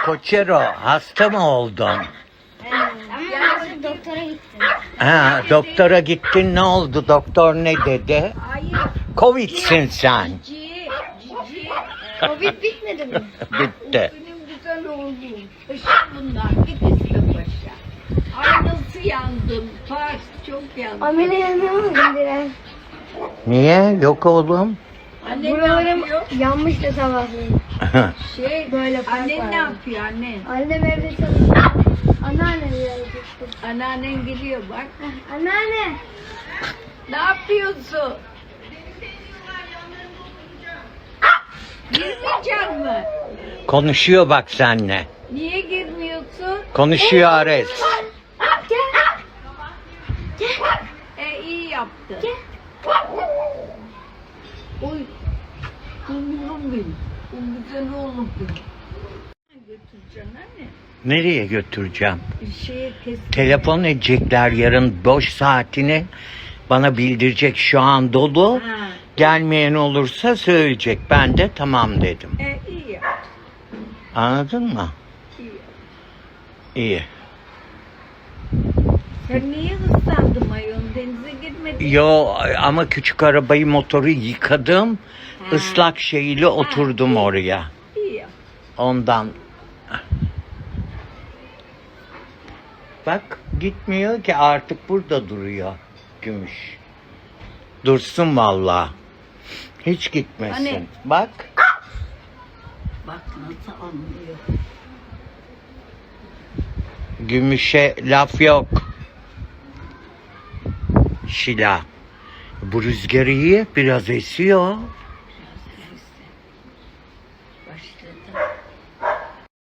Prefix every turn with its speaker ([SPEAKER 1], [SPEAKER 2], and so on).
[SPEAKER 1] Koçero, hasta mı oldun?
[SPEAKER 2] Ama doktora gittim.
[SPEAKER 1] Ha, doktora gittin, ne oldu? Doktor ne dedi?
[SPEAKER 3] Hayır.
[SPEAKER 1] Covid'sin sen.
[SPEAKER 3] Cici.
[SPEAKER 2] Covid bitmedi mi?
[SPEAKER 1] Bitti.
[SPEAKER 3] Benim güzel oğlum. Paşa bunlar. Git paşa. Ay nasıl yandım. Pars çok yandım.
[SPEAKER 2] Ameliyatını aldım Diren.
[SPEAKER 1] Niye? Yok oğlum.
[SPEAKER 3] Anne ne
[SPEAKER 2] Buralarım
[SPEAKER 3] yapıyor?
[SPEAKER 2] yanmış da sabahleyin.
[SPEAKER 3] Böyle
[SPEAKER 2] fark
[SPEAKER 3] annen
[SPEAKER 2] var.
[SPEAKER 3] ne yapıyor annen?
[SPEAKER 2] Annem evde çalışıyor. Anneannem yazmıştı.
[SPEAKER 3] Anneannen geliyor bak.
[SPEAKER 2] Anneanne.
[SPEAKER 3] Ne yapıyorsun? Girmeyecek mi?
[SPEAKER 1] Konuşuyor bak seninle.
[SPEAKER 3] Niye girmiyorsun?
[SPEAKER 1] Konuşuyor Ares.
[SPEAKER 3] İyi yaptı. Oy. Kumrum benim. O güzel oğlum benim. Götüreceksin anne.
[SPEAKER 1] Nereye götüreceğim?
[SPEAKER 3] Şeye kes.
[SPEAKER 1] Telefon edecekler yarın boş saatini. Bana bildirecek, şu an dolu.
[SPEAKER 3] Ha.
[SPEAKER 1] Gelmeyen olursa söyleyecek. Ben de tamam dedim.
[SPEAKER 3] İyi yaptı.
[SPEAKER 1] Anladın mı?
[SPEAKER 3] İyi yaptı.
[SPEAKER 1] İyi.
[SPEAKER 3] Sen niye ıslandın mayon? Denize girmedin.
[SPEAKER 1] Yo, ama küçük arabayı, motoru yıkadım.
[SPEAKER 3] Ha.
[SPEAKER 1] Islak şeyle oturdum oraya.
[SPEAKER 3] İyi yaptı.
[SPEAKER 1] Ondan. Bak gitmiyor ki, artık burada duruyor Gümüş. Dursun vallahi. Hiç gitmesin.
[SPEAKER 3] Hani?
[SPEAKER 1] Bak.
[SPEAKER 3] Bak nasıl anlıyor.
[SPEAKER 1] Gümüşe laf yok. Şila. Bu rüzgar iyi, biraz esiyor.